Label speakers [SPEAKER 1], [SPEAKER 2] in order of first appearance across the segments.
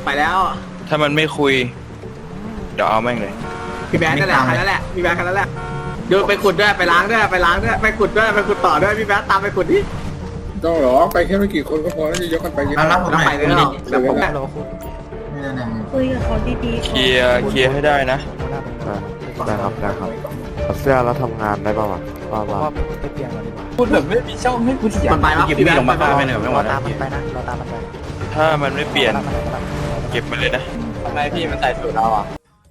[SPEAKER 1] ไปแล้ว
[SPEAKER 2] ถ้ามันไม่คุยเดี๋ยวเอาแม่งเลย
[SPEAKER 1] พี่แบงค์นั่นแหละคันนั้นแหละพี่แบงค์คันนั้นแหละเดี๋ยวไปขุดด้วยไปล้างด้วยไปล้างด้วยไปขุดด้วยไปขุดต่อด้วยพี่แบงค์ตามไปขุดดิ
[SPEAKER 3] ต้องหรอไปแค่ไม่กี่คนก็พอแล้วจะยกกันไปเยอะ
[SPEAKER 1] แล้วไปเลยหรอแต่ผม
[SPEAKER 4] คุยกับเขาดีๆ
[SPEAKER 2] เคลียร์ให้ได้นะ
[SPEAKER 5] ได้ครับถอดเสื้อแล้วทำงานได้ป่าวะว่า
[SPEAKER 6] พูดแบบไม่มีช่องให้กูเสีย
[SPEAKER 1] มันไปแล้วพี่แบงค์ไป
[SPEAKER 6] ไปเหนือไม่ไหว
[SPEAKER 5] ตามมันไปนะเราตามมันไป
[SPEAKER 2] ถ้ามันไม่เปลี่ยนเก็บมันเลยนะ
[SPEAKER 6] ทำไมพี่มันใส่สูตรเราอ่ะ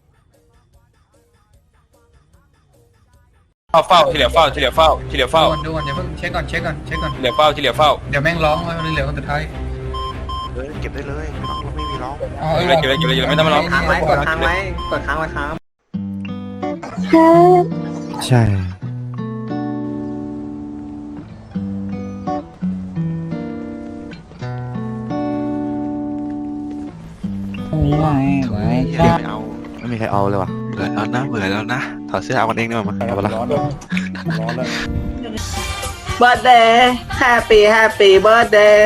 [SPEAKER 2] เฝ้าที่เหลือเฝ้าที่เหลือเฝ้าที่เหลือเฝ้า
[SPEAKER 3] ดูก่อนอย่าเพิ่งเช็คก่อน
[SPEAKER 2] ที่เหลือเฝ้าที่เหลือเฝ้า
[SPEAKER 3] เดี๋ยวแม่งร้องเหลือคนสุดท้าย
[SPEAKER 5] เก็บได้เลยไม่มีร้อง
[SPEAKER 2] เก็บเลยไม่ต้องมาร้อง
[SPEAKER 1] ค้างไว้กดค้างไว้กดค้างไว้ค้าง
[SPEAKER 5] ใช่ไม่มีใครเอาเลยวะ
[SPEAKER 7] เบื่อแล้วนะถอดเสื้อเอากันเองดีกว่ามั้ย
[SPEAKER 5] เอาไปละ
[SPEAKER 1] เบิร์ดเดย์แฮปปี้เบิร์ดเดย์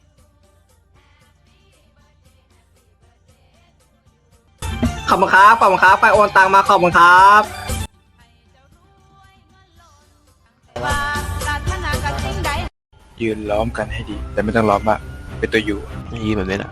[SPEAKER 1] ขอบคุณครับไปโอนตังมาขอบคุณครับ
[SPEAKER 2] ยืนล้อมกันให้ดี แต่ไม่ต้องล้อมมากเป็นตัวอยู่
[SPEAKER 7] ยีแบบนี้แหละ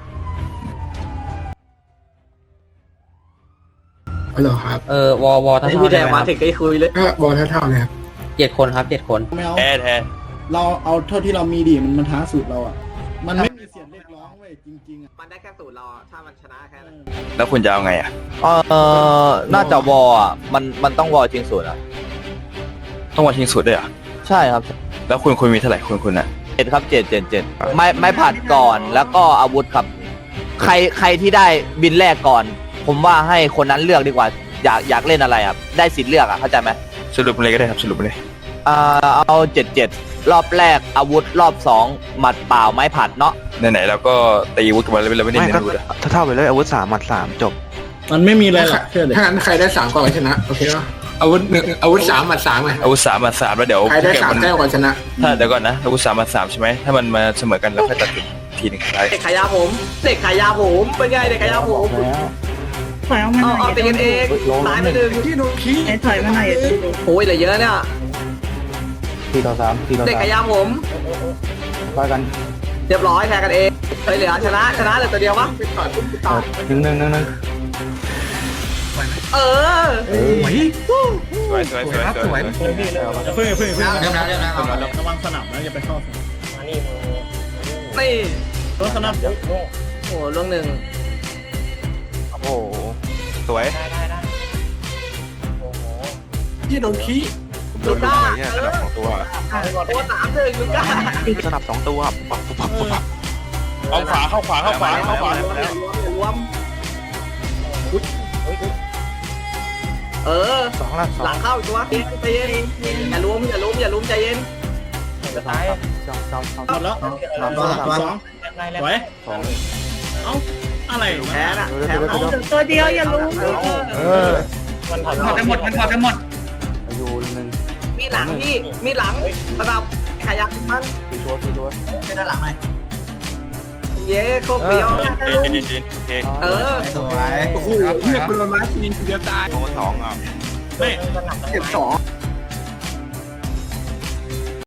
[SPEAKER 3] ฮัลโหลครับ
[SPEAKER 6] วอท่า
[SPEAKER 1] พี่แดงมาถึงก็คุยเลย
[SPEAKER 3] ก็บอลเท่าๆเลยครับ
[SPEAKER 6] 7 คนครับ7 คน
[SPEAKER 8] ไม่เอา
[SPEAKER 2] แทน
[SPEAKER 8] เราเอาเท่าที่เรามีดิมันท้าสูตรเราอ่ะ มันไม่มีเสียงเรียกร้องเว้ยจริงๆอ่ะ
[SPEAKER 1] มันได้แค่สูตรเราถ้ามันชนะแค่นั้น
[SPEAKER 2] แล้วคุณจะเอาไงอ่ะ
[SPEAKER 6] น่าจะวออ่ะมันต้องวอจริงสุดอ่ะ
[SPEAKER 2] ต้องมาชิงสุดด้วยเหรอ่ะ
[SPEAKER 6] ใช่ครับ
[SPEAKER 2] แล้วคุณมีเท่าไหร่คุณอ่ะ
[SPEAKER 6] 7ครับ7ไม่ผัดก่อนแล้วก็อาวุธครับ ใครที่ได้บินแรกก่อน ผมว่าให้คนนั้นเลือกดีกว่าอยากเล่นอะไรครับได้สิทธิ์เลือกอ่ะเข้าใจไหม
[SPEAKER 2] สรุปเลยก็ได้ครับสรุปเลย
[SPEAKER 6] เอา77รอบแรกอาวุธรอบ2หมัดเปล่าไม้ผัดเนาะ
[SPEAKER 2] ไหนๆเราก็ตีอาวุธกันมาแล้วเราไม่ได้
[SPEAKER 7] ไม่
[SPEAKER 2] เน้น
[SPEAKER 7] ก็
[SPEAKER 2] อาวุธอะ
[SPEAKER 7] เท่าไปเลยอาวุธ3 หมัด 3จบ
[SPEAKER 8] มันไม่มีอะไรหรอกเชื่อเลย
[SPEAKER 3] ถ้างั้นใครได้3ก่อนชนะโอเคป่ะอาวุธ1อาวุธ3หมัด3ไง
[SPEAKER 2] อาวุธ3 มา3แล้วเดี๋ยว
[SPEAKER 3] ใครได้
[SPEAKER 2] ถ้าเกิดมัน
[SPEAKER 3] 3แต้มก่อนชนะ
[SPEAKER 2] ถ้าเดี๋ยวก่อนนะอาวุธ3 มา3ใช่ไหมถ้ามันมาเสมอกันเราค่อยตัดสินทีหนึ่งท้าย
[SPEAKER 1] เด็กขายยาผมเป็นไงเด็กขายยาผม
[SPEAKER 4] ถอยออกมาหน่อย
[SPEAKER 1] เอาตีกันเองตายไปหนึ่ง
[SPEAKER 3] ที่โดนขี้
[SPEAKER 4] ไอ้ถอยมาหน่อย
[SPEAKER 1] โอ้ยเหลือเยอะเนี่ย
[SPEAKER 6] 4 ต่อ 3
[SPEAKER 1] เด็กขายยาผม
[SPEAKER 6] ต่อกัน
[SPEAKER 1] เรียบร้อยแทนกันเองเหลือชนะเหลือตัวเดียววะ
[SPEAKER 6] 1
[SPEAKER 1] เออ
[SPEAKER 2] สวย
[SPEAKER 8] เพิ่งเระวังสนับนะอย่าไปเข้า
[SPEAKER 1] นี่
[SPEAKER 8] รถสนับ
[SPEAKER 1] โอ้ล่วงหนึ่ง
[SPEAKER 2] โอ้โหสวย
[SPEAKER 3] ที่โดนขี้
[SPEAKER 1] ลูก้า
[SPEAKER 7] เนี่ยสนับ2 ตัว
[SPEAKER 1] โอ้3-1ลูก้า
[SPEAKER 7] สนับ2 ตัวปั๊บ
[SPEAKER 2] เอาขวาเข้าขวา
[SPEAKER 1] อย่ารวมเออ
[SPEAKER 5] 2 ละ
[SPEAKER 1] หลังเข้าอีกตัวใจเย็นอย่าล้มใจเย็น
[SPEAKER 8] หมดแล้ว2สวยเอ้าอะไร
[SPEAKER 1] แพ้น่ะแพ้
[SPEAKER 4] เอาตัวเดียวอย่ารู้
[SPEAKER 8] มันถอดหมด
[SPEAKER 1] มีหลังพี่มีหลังระดับขยักมันเป็นด้านหลังไหมเย้โคตรเปรี้ยวเออ
[SPEAKER 3] สวยโอ้โหเรียกเป็นละไม้ทีเดียวตาย
[SPEAKER 2] 2อ่ะ
[SPEAKER 8] ไม่
[SPEAKER 1] 12